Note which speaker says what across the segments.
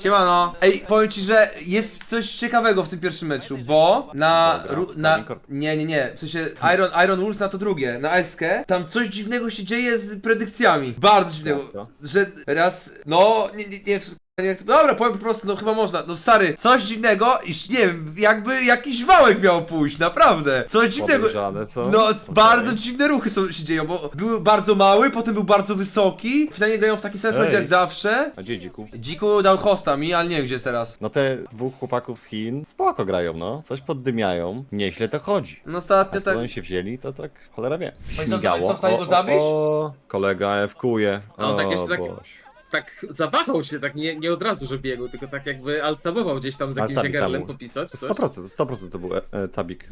Speaker 1: Siemano. Ej, powiem ci, że jest coś ciekawego w tym pierwszym meczu, bo nie, w sensie Iron Wolves na to drugie, na Eskę, tam coś dziwnego się dzieje z predykcjami. Bardzo dziwnego, że raz, no, dobra, powiem po prostu, no chyba można, no stary, coś dziwnego, iż nie wiem, jakby jakiś wałek miał pójść, naprawdę, coś dziwnego, no bardzo dziwne ruchy się dzieją, bo był bardzo mały, potem był bardzo wysoki, finalnie grają w taki sens jak zawsze.
Speaker 2: A gdzie Dziku?
Speaker 1: Dziku dał hosta mi, ale nie wiem gdzie jest teraz.
Speaker 2: No te dwóch chłopaków z Chin spoko grają, no. Coś poddymiają, nieźle to chodzi.
Speaker 1: No
Speaker 2: A
Speaker 1: ostatnio
Speaker 2: skąd
Speaker 1: tak...
Speaker 2: oni się wzięli, to tak cholera wie.
Speaker 1: Oni
Speaker 2: Śmigało.
Speaker 1: są w stanie go zabić?
Speaker 2: Kolega F-kuje.
Speaker 3: No tak jeszcze tak,
Speaker 2: Boś.
Speaker 3: tak zawahał się, tak nie od razu, że biegł, tylko tak jakby altabował gdzieś tam z jakimś
Speaker 2: Altabik
Speaker 3: jagerlem
Speaker 2: tam był.
Speaker 3: popisać coś.
Speaker 2: 100% to był tabik.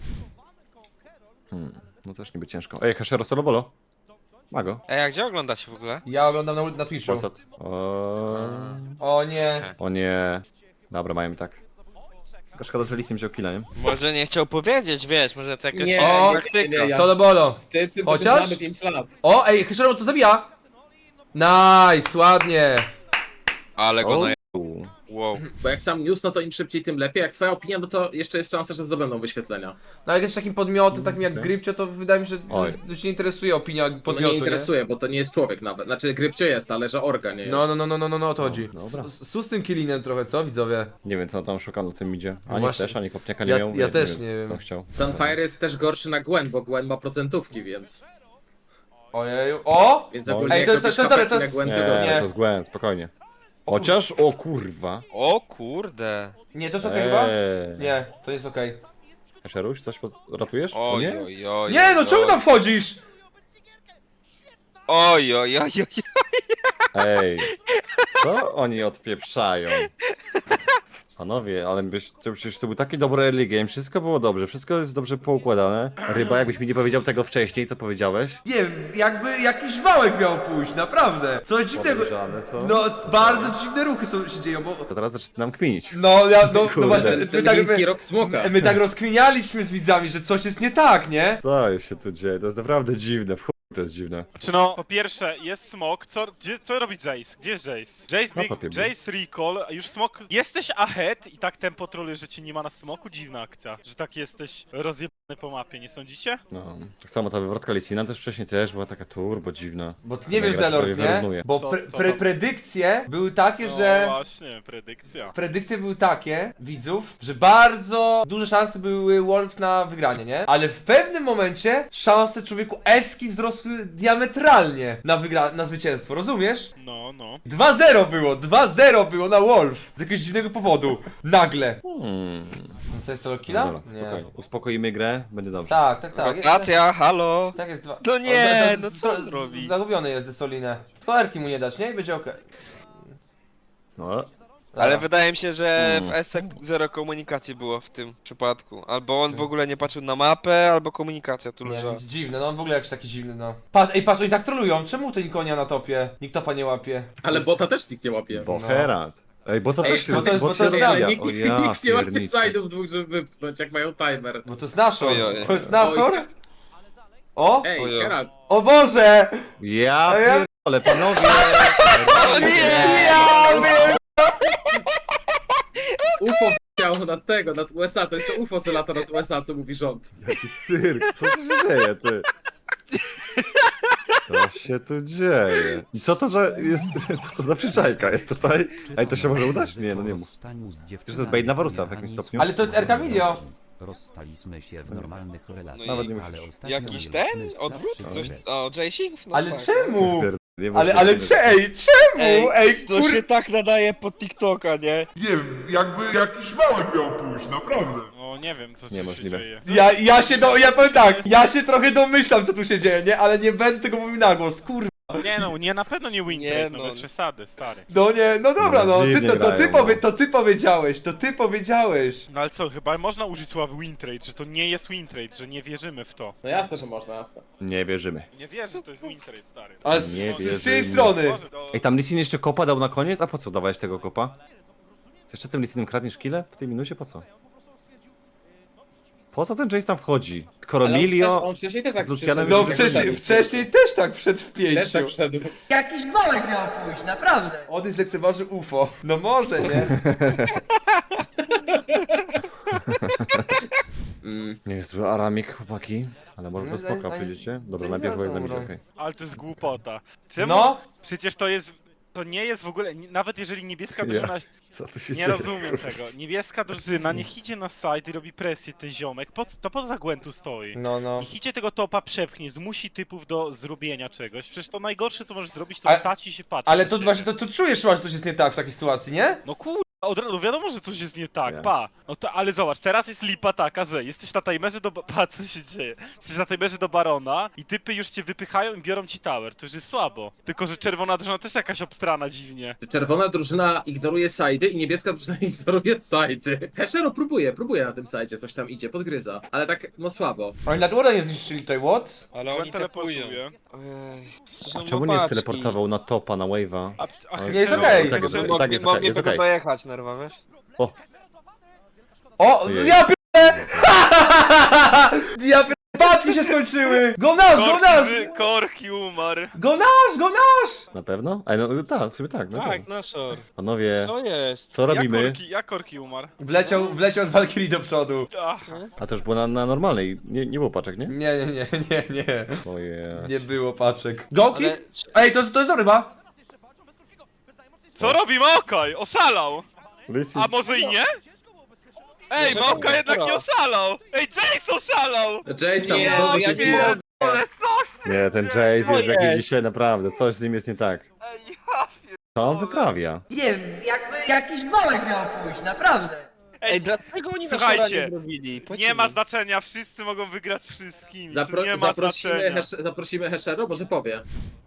Speaker 2: No też niby ciężko. Ej, Hashero Solobolo. Ma go.
Speaker 4: Ej, a gdzie oglądacie w ogóle?
Speaker 1: Ja oglądam na Twitchu.
Speaker 2: Polsat.
Speaker 1: O nie.
Speaker 2: O nie. Dobra, mają i tak. Tylko szkoda, że Lissim wziął killa, nie?
Speaker 4: Może nie chciał powiedzieć, wiesz, może to jakaś
Speaker 3: Nie,
Speaker 1: O,
Speaker 4: taktyka.
Speaker 3: ja-
Speaker 1: Solo bolo.
Speaker 3: Z Jamesem to się
Speaker 1: Chociaż?
Speaker 3: znamy 5 lat.
Speaker 1: O, ej, Hesheron to zabija. Nice, ładnie.
Speaker 4: Ale go na...
Speaker 2: U.
Speaker 4: Wow.
Speaker 3: Bo jak sam news, no to im szybciej, tym lepiej. Jak twoja opinia, no to jeszcze jest szansa, że zdobędą wyświetlenia.
Speaker 1: No jak jest takim podmiotem, takim jak Grypcio, to wydaje mi się,
Speaker 2: Oj.
Speaker 1: że się nie interesuje opinia
Speaker 3: No
Speaker 1: podmiotu,
Speaker 3: nie interesuje, bo to nie jest człowiek nawet. Znaczy Grypcio jest, ale że orga nie jest.
Speaker 1: No, o to chodzi.
Speaker 2: dobra.
Speaker 1: Su z tym killinem trochę, co widzowie?
Speaker 2: Nie wiem, co on tam szukał na tym idzie.
Speaker 1: No
Speaker 2: Ani
Speaker 1: właśnie.
Speaker 2: też, ani kopniaka nie
Speaker 1: Ja-
Speaker 2: miał.
Speaker 1: ja też nie wiem.
Speaker 2: Co chciał.
Speaker 3: Sunfire jest też gorszy na Gwen, bo Gwen ma procentówki, więc...
Speaker 1: Ojeju. O!
Speaker 3: Więc
Speaker 2: Oj.
Speaker 3: ogólnie
Speaker 1: Ej,
Speaker 3: jak
Speaker 1: to-
Speaker 3: robisz
Speaker 1: to- to-
Speaker 3: hapeki
Speaker 1: to
Speaker 3: na
Speaker 1: jest-
Speaker 3: Gwen, to
Speaker 2: Nie,
Speaker 3: dobrze.
Speaker 1: Nie.
Speaker 2: to z Gwen, spokojnie. Chociaż, o kurwa.
Speaker 4: O kurde.
Speaker 1: Nie, to jest okej chyba?
Speaker 2: Eee.
Speaker 1: Nie, to jest okej.
Speaker 2: Hasheruś, coś ratujesz? O
Speaker 4: Oj,
Speaker 2: nie?
Speaker 4: oj, oj.
Speaker 1: Nie, no
Speaker 4: oj,
Speaker 1: czemu tam wchodzisz?
Speaker 4: Oj, oj, oj, oj.
Speaker 2: Ej, co oni odpieprzają? Panowie, ale przecież to był taki dobry early game, wszystko było dobrze, wszystko jest dobrze poukładane. Ryba, jakbyś mi nie powiedział tego wcześniej, co powiedziałeś?
Speaker 1: Nie wiem, jakby jakiś wałek miał pójść, naprawdę. Coś dziwnego.
Speaker 2: Podejrzane są.
Speaker 1: No, bardzo dziwne ruchy się dzieją, bo...
Speaker 2: To teraz zaczynam kminić.
Speaker 1: No
Speaker 2: Kurde.
Speaker 1: właśnie,
Speaker 3: Ten chiński rok smoka.
Speaker 1: my tak rozkminialiśmy z widzami, że coś jest nie tak, nie?
Speaker 2: Co się tu dzieje? To jest naprawdę dziwne, w chuj to jest dziwne.
Speaker 5: Czy no, po pierwsze, jest smok, co robi Jace? Gdzie jest Jace? Jace,
Speaker 2: Na topie był.
Speaker 5: Jace recall, a już smok, jesteś ahead i tak tempo troluje, że cię nie ma na smoku? Dziwna akcja, że tak jesteś rozjebany po mapie, nie sądzicie?
Speaker 2: No, tak samo ta wywrotka Lissina też wcześniej też była taka turbo dziwna.
Speaker 1: Bo ty nie
Speaker 2: Ten
Speaker 1: wiesz,
Speaker 2: gracz
Speaker 1: Delord,
Speaker 2: prawie
Speaker 1: nie?
Speaker 2: wyrównuje.
Speaker 1: Bo
Speaker 5: Co tam?
Speaker 1: predykcje były takie,
Speaker 5: No
Speaker 1: że...
Speaker 5: właśnie, predykcja.
Speaker 1: Predykcje były takie, widzów, że bardzo duże szanse były Wolf na wygranie, nie? Ale w pewnym momencie szanse człowieku Eski wzrosły diametralnie na zwycięstwo, rozumiesz?
Speaker 5: No, no.
Speaker 1: 2-0 było na Wolf z jakiegoś dziwnego powodu, nagle. Co jest solo
Speaker 2: No
Speaker 1: killa?
Speaker 2: dobra, spokojnie. Uspokoimy grę, będzie dobrze.
Speaker 1: Tak.
Speaker 4: Rotacja, halo.
Speaker 1: Tak jest dwa.
Speaker 4: No nie,
Speaker 1: O,
Speaker 4: no co on robi?
Speaker 1: Zagubiony jest Desolinę. Tylko Erki mu nie dać, nie? I będzie okej.
Speaker 2: No,
Speaker 4: Ale
Speaker 1: Dobra.
Speaker 4: wydaje mi się, że w SC zero komunikacji było w tym przypadku. Albo on w ogóle nie patrzył na mapę, albo komunikacja tu
Speaker 1: Nie
Speaker 4: leżała.
Speaker 1: wiem, dziwne, no on w ogóle jakiś taki dziwny, no. Patrz, oni tak trolują, czemu to nikogo nie ma na topie? Nikt topa nie łapie.
Speaker 3: Ale bota też nikt nie łapie.
Speaker 2: bo Herald. Ej, bo to
Speaker 3: Ej,
Speaker 2: też się
Speaker 1: bo to jest-
Speaker 2: bot
Speaker 1: bo to
Speaker 2: się
Speaker 1: jest-
Speaker 2: rozwija.
Speaker 3: Nikt,
Speaker 2: O ja
Speaker 3: nikt nie łapie
Speaker 2: pierniczę.
Speaker 3: side'ów dwóch, żeby wypchnąć, jak mają timer.
Speaker 1: Bo to jest Nashor,
Speaker 4: Oj, oj.
Speaker 1: to jest Nashor?
Speaker 3: Oj.
Speaker 1: O!
Speaker 3: Ej,
Speaker 4: Ojo.
Speaker 3: Geralt,
Speaker 1: O Boże!
Speaker 2: Ja
Speaker 1: A ja-
Speaker 2: pierdolę, panowie!
Speaker 4: O nie!
Speaker 3: UFO chciał nad USA, to jest to UFO, co lata nad USA, co mówi rząd.
Speaker 2: Jaki cyrk, co tu się dzieje, ty? Co się tu dzieje? I co to za jest, co to za przyczajka jest tutaj? Ej, to się może udać? Nie, no nie mów.
Speaker 6: To
Speaker 2: jest bait na Warusa w jakimś stopniu?
Speaker 1: Ale to jest Erka Milio.
Speaker 6: Rozstaliśmy się w normalnych relacjach,
Speaker 4: Nawet
Speaker 2: nie
Speaker 6: ale
Speaker 2: musisz.
Speaker 6: ostatnio
Speaker 4: Jakiś
Speaker 6: mieliśmy
Speaker 4: ten? Odwrót?
Speaker 6: sprawszy
Speaker 4: Coś?
Speaker 6: okres.
Speaker 4: O, Jaycing? No
Speaker 1: Ale
Speaker 4: tak.
Speaker 1: czemu?
Speaker 2: Nie
Speaker 1: Ale
Speaker 2: możliwe.
Speaker 1: czemu? Ej,
Speaker 4: To się tak nadaje pod TikToka, nie?
Speaker 7: Nie wiem, jakby jakiś wałek miał pójść, naprawdę.
Speaker 5: No nie wiem, co tu się
Speaker 2: Niemożliwe.
Speaker 5: dzieje.
Speaker 1: Ja powiem tak, ja się trochę domyślam co tu się dzieje, nie? Ale nie będę tego mówił na głos, kurwa.
Speaker 5: Nie no, nie, na pewno nie win
Speaker 4: Nie,
Speaker 5: trade, no
Speaker 4: no.
Speaker 5: bez przesady, stary.
Speaker 1: No nie, no dobra,
Speaker 2: No,
Speaker 1: no,
Speaker 2: dziwnie grają, no.
Speaker 1: to ty powiedziałeś.
Speaker 5: No ale co, chyba można użyć słowa win trade, że to nie jest win trade, że nie wierzymy w to.
Speaker 3: No jasne, że można, jasne.
Speaker 2: Nie wierzymy.
Speaker 5: Nie wierzę, że to jest win trade, stary.
Speaker 1: Ale
Speaker 2: Nie
Speaker 1: z
Speaker 2: wierzymy.
Speaker 1: czyjej strony?
Speaker 5: Boże, to...
Speaker 2: Ej, tam Lissin jeszcze kopa dał na koniec? A po co dawałeś tego kopa? Ty jeszcze tym Lissinem kradniesz kile? W tej minucie po co? Po co ten Jace tam wchodzi? Skoro
Speaker 3: Ale
Speaker 2: Milio...
Speaker 3: on wcześniej też tak
Speaker 2: z Lucianem
Speaker 3: przyszedł,
Speaker 1: No
Speaker 3: jak
Speaker 1: wcześniej,
Speaker 3: wszedł.
Speaker 1: wcześniej też tak wszedł w
Speaker 3: Też
Speaker 1: pięciu.
Speaker 3: tak wszedł.
Speaker 8: Jakiś zwałek miał pójść, naprawdę.
Speaker 1: On zlekceważył UFO. No może, nie?
Speaker 2: Nie jest zły aramik, chłopaki. Ale może to
Speaker 1: No,
Speaker 2: spoko,
Speaker 1: ale-
Speaker 2: przyjdziecie? Dobra,
Speaker 1: to
Speaker 2: najpierw
Speaker 1: zaraz
Speaker 2: na midzie,
Speaker 1: umrą.
Speaker 2: okej.
Speaker 5: Ale to jest głupota. Czemu?
Speaker 1: No.
Speaker 5: Przecież to jest... To nie jest w ogóle... Nawet jeżeli niebieska
Speaker 2: Ja.
Speaker 5: drużyna...
Speaker 2: Co tu się
Speaker 5: Nie
Speaker 2: dzieje?
Speaker 5: rozumiem tego. Niebieska drużyna niech idzie na site i robi presję ten ziomek. To po co za Gwentu stoi?
Speaker 1: No.
Speaker 5: Niech idzie tego topa przepchnie, zmusi typów do zrobienia czegoś. Przecież to najgorsze co możesz zrobić to
Speaker 1: Ale-
Speaker 5: stać i się patrzeć.
Speaker 1: Ale
Speaker 5: na
Speaker 1: to
Speaker 5: siebie.
Speaker 1: właśnie, to czujesz chyba, że coś jest nie tak w takiej sytuacji, nie?
Speaker 5: No kurwa, od razu wiadomo, że coś jest nie tak,
Speaker 2: Ja.
Speaker 5: pa. No to, ale zobacz, teraz jest lipa taka, że jesteś na timerze do... Pa, co się dzieje? Jesteś na timerze do Barona i typy już cię wypychają i biorą ci tower. To już jest słabo. Tylko, że czerwona drużyna też jakaś obstrana dziwnie.
Speaker 3: Czerwona drużyna ignoruje sajdy i niebieska drużyna ignoruje sajdy. Heshero próbuje na tym sajdzie, coś tam idzie, podgryza. Ale tak, no słabo.
Speaker 1: Oni nad Warda nie zniszczyli tutaj, what?
Speaker 4: Ale oni
Speaker 5: Gwen
Speaker 4: te pójdą.
Speaker 5: teleportuje.
Speaker 4: Ojej, to są
Speaker 2: Czemu nie
Speaker 4: łopaczki.
Speaker 2: steleportował na topa, na wave'a?
Speaker 5: A
Speaker 1: Nie, jest
Speaker 5: Hexero-
Speaker 1: okej.
Speaker 2: Tak jest,
Speaker 5: Hexero-
Speaker 2: tak jest,
Speaker 4: Mogli
Speaker 2: jest
Speaker 4: tylko
Speaker 2: okej.
Speaker 4: dojechać, nerwa, wiesz?
Speaker 1: O,
Speaker 2: Ojej.
Speaker 1: ja pierdolę! Ja pierdolę, paczki się skończyły! Go nasz!
Speaker 5: Korki umarł.
Speaker 1: Go nasz!
Speaker 2: Na pewno? Ej, no tak, w sumie tak, no
Speaker 4: Tak,
Speaker 2: tak.
Speaker 4: na shore.
Speaker 2: Panowie,
Speaker 4: Co jest?
Speaker 2: co robimy?
Speaker 5: Jak korki umarł?
Speaker 1: Wleciał z Valkyrie do przodu.
Speaker 5: Ach,
Speaker 2: A to już było na normalnej, nie było paczek, nie?
Speaker 1: Nie.
Speaker 2: Ojej.
Speaker 1: Nie było paczek. Gołki?
Speaker 4: Ale...
Speaker 1: Ej, to jest dobry chyba.
Speaker 5: co robi Maokaj? Oszalał!
Speaker 2: Listen.
Speaker 5: A może i nie? Ej,
Speaker 4: Może
Speaker 5: Maokaj
Speaker 4: nie,
Speaker 5: jednak nie
Speaker 4: dobra.
Speaker 5: oszalał! Ej, Jace oszalał!
Speaker 3: Jace tam
Speaker 4: Nie,
Speaker 3: znowu
Speaker 4: ja
Speaker 3: się
Speaker 4: nie-
Speaker 3: bije.
Speaker 5: Ale coś!
Speaker 2: Nie, ten Jace jest
Speaker 4: jest?
Speaker 2: jakiś dzisiaj naprawdę, coś z nim jest nie tak.
Speaker 5: Ej, ja
Speaker 2: Co on wyprawia?
Speaker 8: Nie wiem, jakby jakiś zwałek miał pójść, naprawdę.
Speaker 4: Ej, dlaczego oni na
Speaker 5: Słuchajcie,
Speaker 4: shora nie zrobili? Powiedzcie
Speaker 5: Nie ma
Speaker 4: mi.
Speaker 5: znaczenia, wszyscy mogą wygrać z wszystkimi. Tu nie ma znaczenia.
Speaker 3: Zaprosimy Heshero, może powie.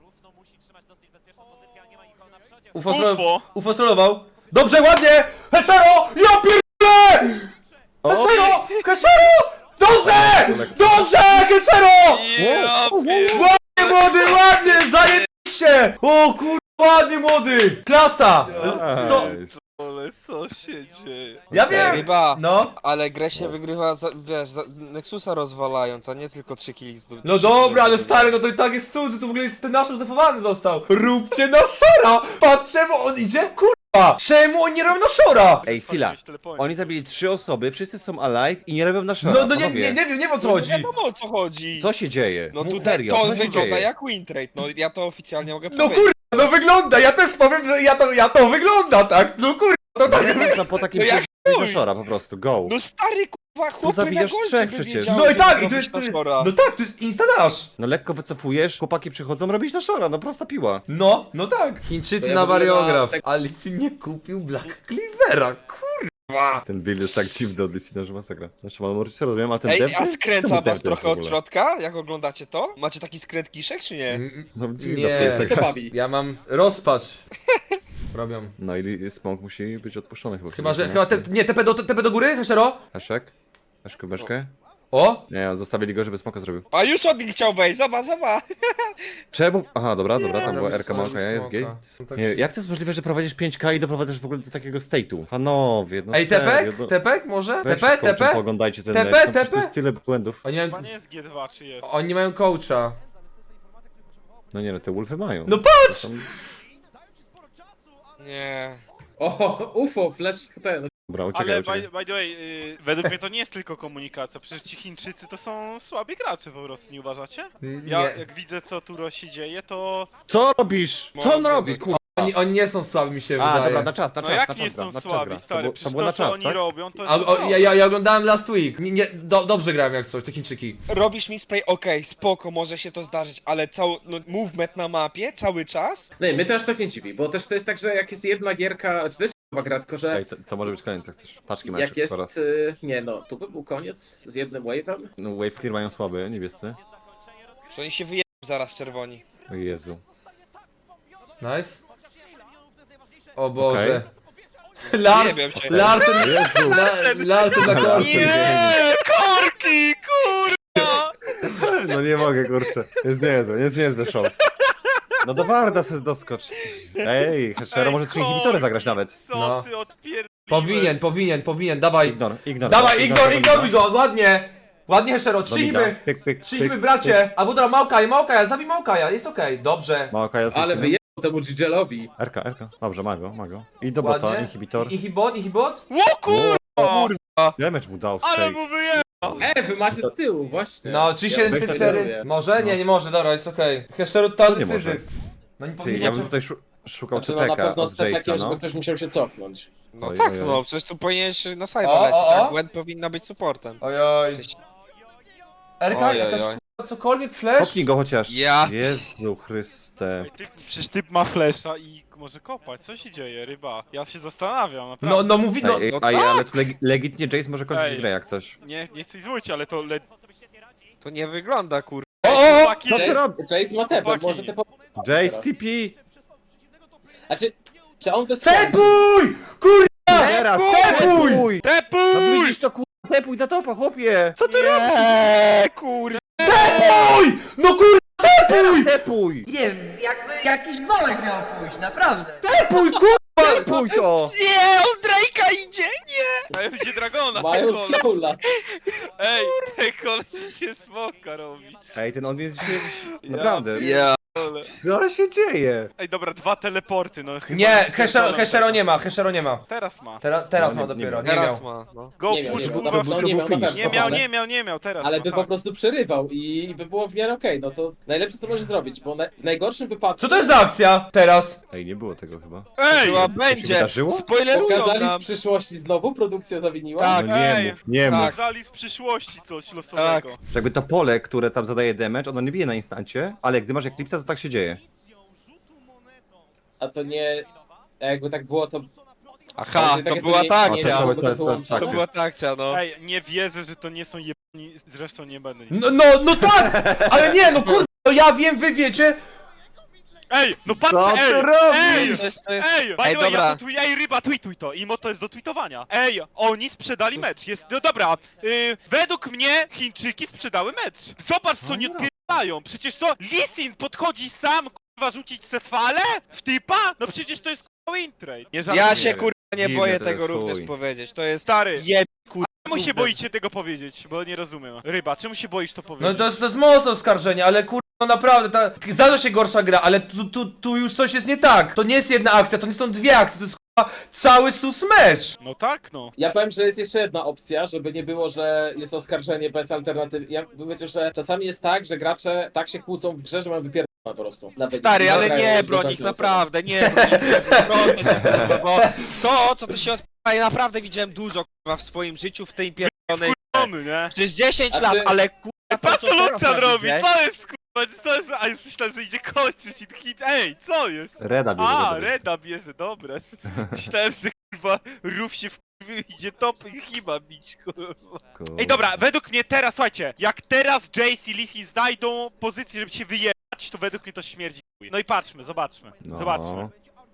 Speaker 1: UFO strollował. Dobrze, ładnie! Hesero! Ja pierdolę! Hesero! Hesero! Dobrze! Hesero!
Speaker 5: Ja pier...
Speaker 1: Ładnie, młody, ładnie! Zajebiście! O kur... ładnie, młody! Klasa! To...
Speaker 2: Nice.
Speaker 5: Ale co się dzieje?
Speaker 1: Ja
Speaker 4: Ej,
Speaker 1: wiem!
Speaker 4: ryba,
Speaker 1: No.
Speaker 4: ale grę się wygrywa, wiesz, Nexusa rozwalając, a nie tylko 3 killi.
Speaker 1: No dobra, ale stary, no to i tak jest cud, że tu w ogóle jest ten nasz zdefowany został. Róbcie na szora! Patrz, czemu on idzie? Kurwa! Czemu oni nie robią na szora?
Speaker 2: Ej, chwila. Oni zabili 3 osoby, wszyscy są alive i nie robią na szara.
Speaker 1: No nie
Speaker 2: Panowie,
Speaker 1: wiem o co
Speaker 4: Nie
Speaker 1: chodzi.
Speaker 4: wiadomo o co chodzi.
Speaker 2: Co się dzieje?
Speaker 4: No tutaj
Speaker 2: serio,
Speaker 4: to
Speaker 2: co się
Speaker 4: wygląda
Speaker 2: dzieje?
Speaker 4: jak win trade, no ja to oficjalnie mogę
Speaker 1: No
Speaker 4: powiedzieć.
Speaker 1: kurwa, no wygląda, ja też powiem, że ja to wygląda, tak? No kurwa, to tak.
Speaker 2: No po takim
Speaker 4: No jak
Speaker 2: na
Speaker 4: chuj.
Speaker 2: szora po prostu, go.
Speaker 4: No stary kurwa, chłopy
Speaker 2: zabijasz
Speaker 4: na golcie
Speaker 2: trzech
Speaker 4: by
Speaker 2: przecież.
Speaker 4: wiedziały,
Speaker 1: No i
Speaker 4: że
Speaker 1: tak, i to
Speaker 4: zrobić
Speaker 1: jest,
Speaker 4: na shora.
Speaker 1: no tak, to jest instadash.
Speaker 2: No lekko wycofujesz, chłopaki przychodzą, robisz na szora, no prosta piła.
Speaker 1: No tak. Chińczycy
Speaker 3: To ja
Speaker 1: na
Speaker 3: w ogóle
Speaker 1: wariograf.
Speaker 3: na-
Speaker 1: Alicy nie kupił Black Cleavera, kurwa.
Speaker 2: Ten build jest tak dziwny od Listina, że masakra. Znaczy mam możecie rozumiem, a ten
Speaker 4: Ej,
Speaker 2: dev to
Speaker 4: a
Speaker 2: jest-
Speaker 4: skręca
Speaker 2: czemu
Speaker 4: was
Speaker 2: dev to jest
Speaker 4: trochę
Speaker 2: w
Speaker 4: od
Speaker 2: ogóle?
Speaker 4: środka, jak oglądacie to? Macie taki skręt kiszek, czy nie?
Speaker 2: No dziwna
Speaker 1: Nie.
Speaker 2: to jest
Speaker 3: To
Speaker 2: taka.
Speaker 3: bawi.
Speaker 1: Ja mam rozpacz. Robią.
Speaker 2: No i smoke musi być odpuszczony chyba.
Speaker 1: Chyba, że, nie, TP do góry, Heszero?
Speaker 2: Heszek? Heszkę, beszkę?
Speaker 1: O!
Speaker 2: Nie, zostawili go, żeby smoka zrobił.
Speaker 4: A już od nich chciał wejść, zobacz.
Speaker 2: Czemu? Aha, dobra, tam była
Speaker 1: robisz
Speaker 2: RK Małka, jest
Speaker 1: smoka.
Speaker 2: gate.
Speaker 1: No tak
Speaker 2: Nie,
Speaker 1: się-
Speaker 2: jak to jest możliwe, że prowadzisz 5K i doprowadzasz w ogóle do takiego state'u? Panowie, no
Speaker 1: Ej,
Speaker 2: serio,
Speaker 1: tepek?
Speaker 2: no.
Speaker 1: Tepek może?
Speaker 2: Weź
Speaker 1: Tepek?
Speaker 2: z coachem
Speaker 1: Tepek?
Speaker 2: Pooglądajcie ten
Speaker 1: Tepe,
Speaker 2: mecz, no przecież
Speaker 1: tepe?
Speaker 2: tu jest tyle błędów.
Speaker 1: Oni
Speaker 5: Chyba
Speaker 1: mają,
Speaker 5: nie jest G2, czy jest?
Speaker 1: oni mają coacha.
Speaker 2: No nie no, te wolfy mają.
Speaker 1: No patrz!
Speaker 2: Tam-
Speaker 4: Nie.
Speaker 3: O, UFO, flash, ten.
Speaker 2: Dobra, uciekaj,
Speaker 5: Ale
Speaker 2: uciekaj.
Speaker 5: by the way, według mnie to nie jest tylko komunikacja, przecież ci Chińczycy to są słabi gracze po prostu, nie uważacie? Ja
Speaker 1: Nie.
Speaker 5: jak widzę co tu się dzieje, to...
Speaker 2: Co robisz? Co on robi, kurwa?
Speaker 1: Oni nie są słabi, mi się
Speaker 2: A,
Speaker 1: wydaje.
Speaker 2: dobra, na czas, na
Speaker 5: No
Speaker 2: czas,
Speaker 5: jak
Speaker 2: na
Speaker 5: nie
Speaker 2: czas gra,
Speaker 5: są
Speaker 2: na czas
Speaker 5: słabi,
Speaker 2: gra.
Speaker 5: stary,
Speaker 2: To
Speaker 5: przecież
Speaker 2: było
Speaker 5: to
Speaker 2: na
Speaker 5: co
Speaker 2: czas,
Speaker 5: oni
Speaker 2: tak?
Speaker 5: robią, to
Speaker 1: A,
Speaker 5: jest...
Speaker 1: ja oglądałem last week. Dobrze grałem jak coś, te Chińczyki.
Speaker 4: Robisz mi spray, okej, spoko, może się to zdarzyć, ale cały, no, movement na mapie, cały czas?
Speaker 3: No i mnie to aż tak nie dziwi, bo też to jest tak, że jak jest jedna gierka, czy to jest chyba gra, tylko że
Speaker 2: Ej, to może być koniec, jak chcesz. Paczki mają
Speaker 3: jak jest,
Speaker 2: po raz.
Speaker 3: nie no, tu by był koniec z jednym wave'em.
Speaker 2: No wave clear mają słaby, niebiescy.
Speaker 4: Że oni się wyjebią zaraz czerwoni.
Speaker 2: O Jezu.
Speaker 1: Nice. O Boże. Lars,
Speaker 4: Nie wiem, czy-
Speaker 1: Larsen,
Speaker 2: Jezu!
Speaker 1: Larsen na końcu.
Speaker 5: Nie, korki, kurwa!
Speaker 2: No nie mogę, kurczę. Jest niezły show. No do Warda se doskocz. Ej, Heszero może 3 inhibitory zagrać nawet.
Speaker 5: Co
Speaker 1: No.
Speaker 5: ty odpier...
Speaker 1: Powinien, dawaj.
Speaker 2: Ignor.
Speaker 1: Dawaj, ignoruj go, ładnie. Ładnie, Heszero, trzyjmy. Trzyjmy, bracie. Albo dobra, Małkaja, zabij Małkaja, jest okej, dobrze.
Speaker 2: Małka jest
Speaker 3: Ale wyjechał temu Gigelowi.
Speaker 2: RK. Dobrze, ma go. I do bota,
Speaker 1: Ładnie.
Speaker 2: inhibitor.
Speaker 1: Inhibot?
Speaker 5: Ło kurwa!
Speaker 2: Damage mu dał w
Speaker 5: Ale
Speaker 2: shake.
Speaker 5: mu wyjebał!
Speaker 3: Wy macie z tyłu, właśnie.
Speaker 1: No, 3704. Może? Nie może, dobra, jest okej. Heszero, total
Speaker 2: Nie może.
Speaker 1: decyzyw. No nie
Speaker 2: Ty,
Speaker 1: powinien.
Speaker 2: ja bym tutaj szukał
Speaker 3: Znaczy, no na
Speaker 2: Czepeka
Speaker 3: pewno z
Speaker 2: od
Speaker 3: takiem,
Speaker 2: Jace'a,
Speaker 3: żeby
Speaker 2: no.
Speaker 3: ktoś musiał się cofnąć.
Speaker 4: No
Speaker 2: Oj,
Speaker 4: tak,
Speaker 2: oj, oj.
Speaker 4: no, przecież tu powinieneś na side
Speaker 1: O,
Speaker 4: lecieć,
Speaker 1: o, o.
Speaker 4: a Gwen powinna być supportem.
Speaker 1: Ojoj.
Speaker 4: W sensie-
Speaker 1: Erka,
Speaker 4: Oj,
Speaker 1: jakaś
Speaker 4: oj, oj.
Speaker 1: kurwa, cokolwiek, flash?
Speaker 2: Kopnij go chociaż.
Speaker 4: Ja.
Speaker 2: Jezu Chryste.
Speaker 5: Przecież typ ma flesza i może kopać, co się dzieje, ryba? Ja się zastanawiam, naprawdę.
Speaker 1: No mówi, no.
Speaker 2: Ej,
Speaker 4: no
Speaker 2: ale tu legitnie Jace może kończyć
Speaker 5: Ej.
Speaker 2: grę jak coś.
Speaker 5: Nie chcę złoć, ale to
Speaker 4: To nie wygląda, kur...
Speaker 1: O!
Speaker 5: Chłopaki,
Speaker 2: Co ty robisz?
Speaker 3: Jace ma tepę,
Speaker 5: Chłopaki.
Speaker 3: może te
Speaker 2: Jace TP!
Speaker 3: Znaczy, czy on to
Speaker 1: Tepuj! Kurwa!
Speaker 2: Teraz!
Speaker 1: Tepuj!
Speaker 2: No
Speaker 5: Tepuj!
Speaker 2: widzisz to kurwa, tepuj na topa, chłopie! Co ty
Speaker 4: Nie, kur...
Speaker 1: Tepuj! No kurwa, tepuj!
Speaker 2: Tepuj!
Speaker 8: Nie wiem, jakby jakiś dzwonek miał pójść, naprawdę.
Speaker 1: Tepuj, kurwa!
Speaker 2: Tepuj to!
Speaker 4: Nie, on Drake'a idzie, nie!
Speaker 5: A ja widzę dragona,
Speaker 3: mają
Speaker 5: te koleś.
Speaker 3: soula.
Speaker 5: Ej, te koleś się smoka robić.
Speaker 2: Ej, ten on jest dzisiaj... Naprawdę.
Speaker 4: Ja.
Speaker 2: Co się dzieje?
Speaker 5: Ej, dobra, 2 teleporty, no chyba...
Speaker 1: Nie,
Speaker 5: pierdolą
Speaker 1: Heszero
Speaker 5: tego.
Speaker 1: nie ma, Heszero nie ma.
Speaker 5: Teraz ma.
Speaker 1: Teraz
Speaker 2: No,
Speaker 1: ma
Speaker 2: nie
Speaker 1: dopiero,
Speaker 2: miał.
Speaker 1: nie
Speaker 4: Teraz
Speaker 1: miał.
Speaker 4: ma, no.
Speaker 5: Go
Speaker 3: Nie miał,
Speaker 5: push,
Speaker 3: nie miał,
Speaker 5: kurwa,
Speaker 3: no nie miał, na pewno.
Speaker 5: nie miał, teraz
Speaker 3: Ale
Speaker 5: ma,
Speaker 3: by
Speaker 5: tak.
Speaker 3: po prostu przerywał i by było w miarę okej, no to najlepsze co może zrobić, bo w najgorszym wypadku
Speaker 1: Co to jest za akcja teraz?
Speaker 2: Ej, nie było tego chyba.
Speaker 5: Ej!
Speaker 4: Była,
Speaker 2: się
Speaker 4: będzie!
Speaker 2: wydarzyło?
Speaker 4: Spoilerują
Speaker 3: pokazali z
Speaker 4: nam!
Speaker 3: przyszłości znowu, produkcja zawiniła.
Speaker 4: Tak.
Speaker 2: No nie
Speaker 5: ej,
Speaker 2: mów, nie
Speaker 4: tak.
Speaker 2: mów.
Speaker 5: Pokazali z przyszłości coś losowego.
Speaker 4: Tak.
Speaker 2: Że jakby to pole, które tam zadaje damage, ono nie bije na instancie, ale gdy masz Eclipse'a, to tak się dzieje.
Speaker 3: A to nie... Jakby tak było, to...
Speaker 4: Aha,
Speaker 3: Jeżeli tak
Speaker 4: to
Speaker 3: jest,
Speaker 4: była
Speaker 3: nie-
Speaker 4: ta
Speaker 3: nie
Speaker 4: akcja.
Speaker 3: dało
Speaker 2: To
Speaker 3: go
Speaker 2: jest- to jest
Speaker 3: wyłączyć.
Speaker 2: tak.
Speaker 4: To była ta akcja, no.
Speaker 5: Ej, nie wierzę, że to nie są jebani, zresztą nie będę nic.
Speaker 1: No tak! Ale nie, no kurwa, no ja wiem, wy wiecie.
Speaker 5: Ej, no
Speaker 2: Co
Speaker 5: patrzcie,
Speaker 2: ty
Speaker 5: ej!
Speaker 2: robisz?
Speaker 5: Ej, by
Speaker 4: Ej,
Speaker 5: the way,
Speaker 4: dobra.
Speaker 5: ja tweetuję, ej ryba, tweetuj to, imo to jest do tweetowania. Ej, oni sprzedali mecz, jest, no dobra, według mnie Chińczyki sprzedały mecz. Zobacz co nie odpierają, przecież co, Lee Sin podchodzi sam, kurwa, rzucić se falę w typa? No przecież to jest kurwa win trade. Nie żartuję.
Speaker 4: Ja się, kurwa, nie
Speaker 2: Dziwne
Speaker 4: boję
Speaker 2: to
Speaker 4: tego
Speaker 2: jest,
Speaker 4: również
Speaker 2: chuj.
Speaker 4: powiedzieć. To jest
Speaker 5: Stary,
Speaker 4: jeb, kurwa.
Speaker 5: czemu się boicie tego powiedzieć, bo nie rozumiem. Ryba, czemu się boisz to
Speaker 1: No
Speaker 5: powiedzieć?
Speaker 1: to jest mocne oskarżenie, ale kurwa, no naprawdę, zdarza się gorsza gra, ale tu już coś jest nie tak. To nie jest jedna akcja, to nie są dwie akcje, to jest kurwa cały sus mecz.
Speaker 5: No tak, no.
Speaker 3: Ja powiem, że jest jeszcze jedna opcja, żeby nie było, że jest oskarżenie bez alternatywy. Ja mówię, że czasami jest tak, że gracze tak się kłócą w grze, że mają wypierdolone po prostu. Nawet
Speaker 4: Stary, ale
Speaker 3: zagrają
Speaker 4: nie
Speaker 3: już do
Speaker 4: broń
Speaker 3: końca
Speaker 4: ich,
Speaker 3: losowo.
Speaker 4: naprawdę, nie broń ich, proszę cię, kurwa, bo to, co tu się odpala, ja naprawdę widziałem dużo, kurwa, w swoim życiu w tej pierdolonej...
Speaker 5: Tony, nie?
Speaker 4: Przez 10
Speaker 3: A
Speaker 4: lat,
Speaker 3: ty-
Speaker 4: ale kurwa,
Speaker 5: Patrz
Speaker 4: to,
Speaker 5: co
Speaker 4: teraz
Speaker 5: Lucian
Speaker 4: ja
Speaker 5: robi,
Speaker 4: widzę.
Speaker 5: co jest kurwa, co jest, a już myślałem, że idzie kończyć i hit, ej, co jest?
Speaker 2: Reda bierze.
Speaker 5: A,
Speaker 2: dobra.
Speaker 5: Reda bierze, dobra. Myślałem, że kurwa Ruf się wkurwił i idzie top i chyba bić, kurwa.
Speaker 2: Kurwa.
Speaker 5: Ej, dobra, według mnie teraz, słuchajcie, jak teraz Jace i Lee Sin znajdą pozycję, żeby się wyjebać, to według mnie to śmierdzi chuj. No i patrzmy, zobaczmy,
Speaker 2: No.
Speaker 5: zobaczmy.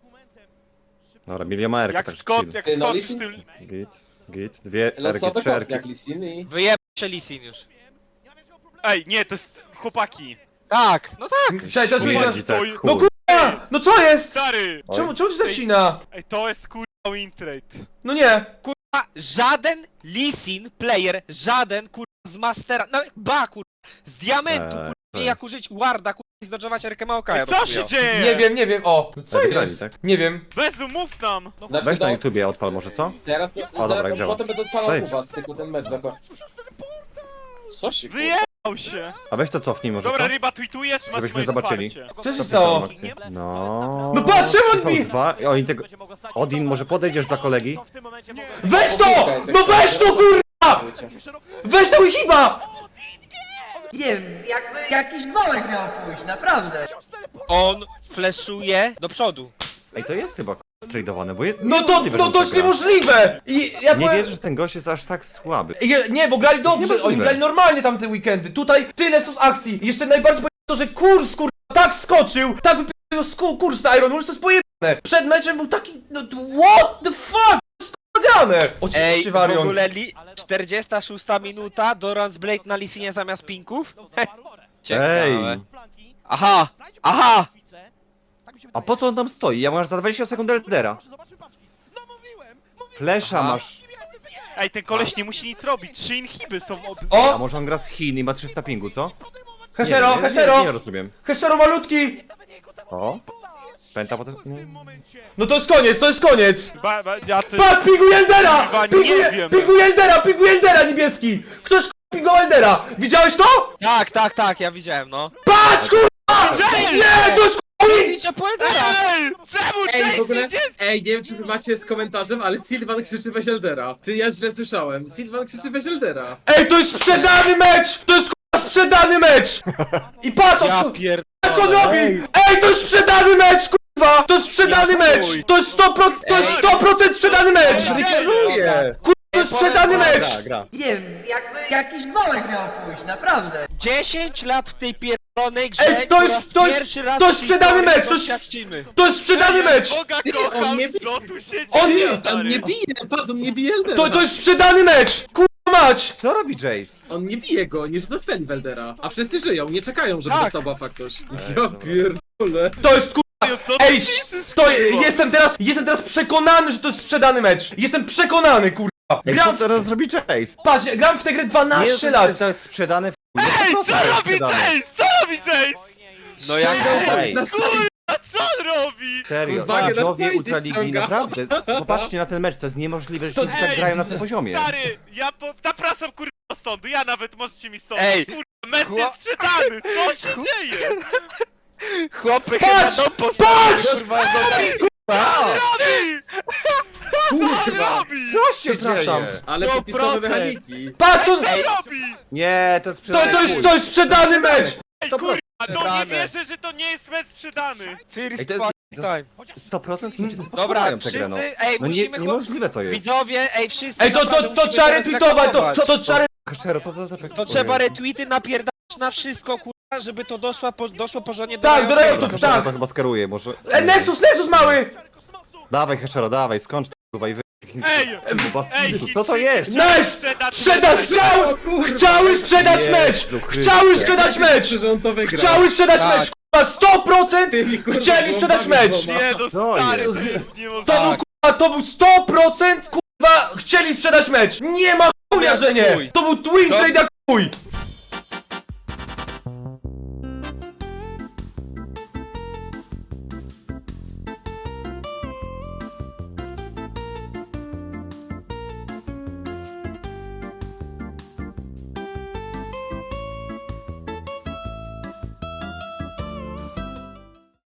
Speaker 2: Dobra, miliomarka,
Speaker 5: Jak
Speaker 2: tak
Speaker 5: Scott,
Speaker 2: chill.
Speaker 5: jak
Speaker 3: Ty, no,
Speaker 5: Scott
Speaker 3: Lee
Speaker 5: w
Speaker 3: Sin-
Speaker 5: tym...
Speaker 2: Git, dwie
Speaker 3: Losowe
Speaker 2: RG, trzy
Speaker 3: kopki
Speaker 2: RG.
Speaker 3: jak Lee Sin i...
Speaker 4: Wyjeb się Lee Sin już.
Speaker 5: Ej, nie, to jest... chłopaki.
Speaker 4: Tak, no tak.
Speaker 1: Cześć, też
Speaker 2: Śmierdzi
Speaker 1: widzę.
Speaker 2: tak,
Speaker 5: to-
Speaker 2: chuj.
Speaker 1: No kurwa, no co jest?
Speaker 5: Stary!
Speaker 2: Oj.
Speaker 1: Czemu ci zacina?
Speaker 5: Ej, to jest kurwa win trade.
Speaker 1: No nie.
Speaker 4: Kurwa, żaden Lee Sin player, żaden kurwa z Mastera, no kurwa, z Diamentu, kurwa, wie jak użyć Warda, kurwa, i zdodżować Erkę Maokaja.
Speaker 5: Ej, co się dzieje?
Speaker 1: Nie wiem, o. No co
Speaker 2: Wygrali,
Speaker 1: jest?
Speaker 2: tak?
Speaker 1: Nie wiem.
Speaker 5: Bezu, mów nam!
Speaker 3: Znaczy,
Speaker 2: Weź na
Speaker 3: no,
Speaker 2: YouTubie odpal może, co?
Speaker 3: teraz to,
Speaker 2: O, dobra,
Speaker 3: zaraz,
Speaker 2: działa.
Speaker 3: potem będę odpalał
Speaker 2: Wejdź.
Speaker 3: u was, tylko ten mecz jako... Co się kurwa?
Speaker 5: Wyjebał się!
Speaker 2: A weź to cofnij może,
Speaker 5: Dobra,
Speaker 2: co?
Speaker 5: ryba, tweetujesz, masz
Speaker 2: Żebyśmy
Speaker 5: moje
Speaker 2: zobaczyli.
Speaker 5: wsparcie.
Speaker 1: Co się stało?
Speaker 2: No.
Speaker 1: No patrz, czemu on mi-
Speaker 2: TV2. Oni tego... Odin, może podejdziesz do kolegi?
Speaker 1: Weź to! No weź to kurwa! Weź to i chyba!
Speaker 8: Nie wiem, jakby jakiś dzwonek miał pójść, naprawdę.
Speaker 4: On fleszuje do przodu.
Speaker 2: Ej, to jest chyba tradowane, bo
Speaker 1: No to jest
Speaker 2: niemożliwe.
Speaker 1: niemożliwe! I ja
Speaker 2: Nie
Speaker 1: powiem...
Speaker 2: wierzę, że ten gość jest aż tak słaby.
Speaker 1: Nie, bo grali dobrze,
Speaker 2: Niemożliwe.
Speaker 1: oni grali normalnie tamte weekendy. Tutaj tyle sus akcji. I jeszcze najbardziej to, że kurs kurwa tak skoczył, tak wypił kurs na Iron Wolf, to jest pojebane. Przed meczem był taki, no what the fuck? Skagane!
Speaker 4: Ej,
Speaker 1: Oczywiście
Speaker 4: w
Speaker 1: Varion.
Speaker 4: ogóle 46 minuta, Doran's Blade na Lisinie zamiast pinków? Ciekawe.
Speaker 2: Ej!
Speaker 4: Aha! Aha!
Speaker 2: A po co on tam stoi? Ja mam aż za 20 sekund Eldera. Flesza
Speaker 4: Aha.
Speaker 2: masz.
Speaker 5: Ej, ten koleś nie musi nic robić, 3 inhiby są
Speaker 2: A
Speaker 1: O!
Speaker 2: może on gra z Chin i ma 300 pingu, co?
Speaker 1: Heszero,
Speaker 2: Nie
Speaker 1: Heszero!
Speaker 2: rozumiem.
Speaker 1: Heszero malutki!
Speaker 2: O? Penta potem... Nie.
Speaker 1: No to jest koniec, to jest koniec!
Speaker 5: Ja ty...
Speaker 1: Patrz, pingu Eldera!
Speaker 5: Kurwa, nie wiem.
Speaker 1: Pingu Eldera niebieski! Ktoś pingu Eldera! Widziałeś to?
Speaker 4: Tak, ja widziałem, no.
Speaker 1: Patrz, kurwa! Nie, to jest kurwa!
Speaker 4: Idźcie po Eldera!
Speaker 5: Ej! Czemu
Speaker 3: Ej, w ogóle,
Speaker 5: Chase idzie?
Speaker 3: ej, nie wiem czy wy macie z komentarzem, ale Sylvan krzyczy weź Eldera. Czy ja źle słyszałem? Sylvan krzyczy weź Eldera.
Speaker 1: Ej, to jest sprzedany mecz! To jest kurwa sprzedany mecz! I patrz,
Speaker 4: Ja
Speaker 1: co
Speaker 4: pier...
Speaker 1: on robi! Ej, to jest sprzedany mecz, kurwa! To jest sprzedany mecz! To jest 100% sprzedany mecz!
Speaker 2: Reklamuję!
Speaker 1: To jest sprzedany mecz!
Speaker 2: Gra.
Speaker 8: Nie wiem, jakby jakiś dzwonek miał pójść, naprawdę.
Speaker 4: 10 lat w tej pierdolonej grze.
Speaker 1: Ej, to jest-
Speaker 4: po raz
Speaker 1: to jest-
Speaker 4: pierwszy raz
Speaker 1: to jest
Speaker 4: w
Speaker 1: sprzedany
Speaker 4: historii
Speaker 1: mecz, to jest-
Speaker 4: doświadczymy.
Speaker 1: To jest sprzedany mecz!
Speaker 5: Boga
Speaker 3: on
Speaker 5: kocham,
Speaker 3: nie-
Speaker 5: co tu się
Speaker 1: On
Speaker 5: dzieje,
Speaker 1: nie-
Speaker 3: On
Speaker 5: stary?
Speaker 3: nie bije, patrz, on nie bije Eldera.
Speaker 1: To jest sprzedany mecz! Kurwa mać!
Speaker 2: Co robi Jace?
Speaker 3: On nie bije go, nie rzuca spell w Eldera. A wszyscy żyją, nie czekają, żeby
Speaker 4: Tak.
Speaker 3: dostał buffa ktoś. Ja
Speaker 2: dobra.
Speaker 3: pierdolę.
Speaker 1: To jest kurwa!
Speaker 5: Co ty
Speaker 1: Ej,
Speaker 5: piszesz,
Speaker 1: to
Speaker 5: kurwa?
Speaker 1: jestem teraz przekonany, że to jest sprzedany mecz! Jestem przekonany, kurwa!
Speaker 2: Ej, co
Speaker 1: Gram w,
Speaker 2: teraz zrobi Jace?
Speaker 1: patrz, gram w tę grę 12
Speaker 2: Nie,
Speaker 1: lat!
Speaker 2: to jest sprzedane w...
Speaker 5: Ej, co
Speaker 2: 100% jest
Speaker 5: robi
Speaker 2: sprzedane.
Speaker 5: Chase? Co robi Chase?
Speaker 4: No jak
Speaker 2: Ej,
Speaker 3: Na sali
Speaker 5: A co on robi?
Speaker 2: serio,
Speaker 3: Uwaga, na
Speaker 2: widzowie
Speaker 3: sajcie
Speaker 2: Ultraligi,
Speaker 3: ściąga.
Speaker 2: naprawdę. Popatrzcie na ten mecz, to jest niemożliwe, że
Speaker 1: To-
Speaker 2: ci tak
Speaker 5: Ej,
Speaker 2: grają na tym poziomie.
Speaker 5: Stary, zapraszam kurwa do sądu, ja nawet możecie mi sądzić.
Speaker 4: Ej,
Speaker 5: Kurwa, mecz
Speaker 4: chłop-
Speaker 5: jest sprzedany, co się dzieje?
Speaker 4: Chłopy
Speaker 1: Patrz!
Speaker 4: chyba do postawy,
Speaker 1: Patrz!
Speaker 4: kurwa, do...
Speaker 5: Robi! Co on robi?
Speaker 2: Co się
Speaker 1: Przepraszam.
Speaker 2: dzieje?
Speaker 3: Ale
Speaker 4: 100%.
Speaker 3: popisowe mechaniki.
Speaker 1: Patrz, on,
Speaker 5: Co robi?
Speaker 2: Nie, to jest sprzedane
Speaker 1: to jest sprzedany mecz!
Speaker 5: Ej,
Speaker 2: 100%.
Speaker 5: kurwa, no nie
Speaker 4: Sprzedane.
Speaker 5: wierzę, że to nie jest mecz sprzedany.
Speaker 4: First
Speaker 2: Ej, to jest-
Speaker 4: fucking
Speaker 2: to
Speaker 4: time.
Speaker 2: 100% Chińczycy
Speaker 4: Dobra,
Speaker 2: podpalają tę grę, no.
Speaker 4: wszyscy, ej,
Speaker 2: No nie,
Speaker 4: musimy...
Speaker 2: niemożliwe to jest.
Speaker 4: Widzowie, ej, wszyscy...
Speaker 1: Ej, to
Speaker 4: naprawdę musimy
Speaker 1: trzeba
Speaker 4: teraz
Speaker 1: retweetować,
Speaker 4: reagować.
Speaker 1: to trzeba
Speaker 2: Kaszero, co
Speaker 4: To trzeba retweety napierdać na wszystko, kurwa, żeby to doszło porządnie do
Speaker 1: Tak, do
Speaker 4: Riota.
Speaker 1: Riota.
Speaker 2: Kaszero
Speaker 1: tak.
Speaker 2: to chyba skaruje, może...
Speaker 1: Nexus mały!
Speaker 2: Dawaj Kaszero, dawaj, skończ to kurwa i wy...
Speaker 5: Ej,
Speaker 2: Co to jest?
Speaker 1: Nice! Chciały sprzedać mecz!
Speaker 2: Jezu Chryste.
Speaker 1: Chciały sprzedać mecz!
Speaker 3: Że on to wygra.
Speaker 1: Chciały sprzedać
Speaker 4: Tak.
Speaker 1: mecz! Kurwa, 100%
Speaker 3: Tymi, kurwa,
Speaker 1: chcieli sprzedać
Speaker 3: bombami
Speaker 1: mecz!
Speaker 3: dwoma.
Speaker 5: Nie, no
Speaker 2: To
Speaker 5: stary,
Speaker 2: jest.
Speaker 5: to jest
Speaker 1: To
Speaker 5: niemożliwe.
Speaker 1: był kurwa, to był 100% kurwa chcieli sprzedać mecz! Nie ma chuja, że nie! To był twin
Speaker 4: To-
Speaker 1: trade jak chuj!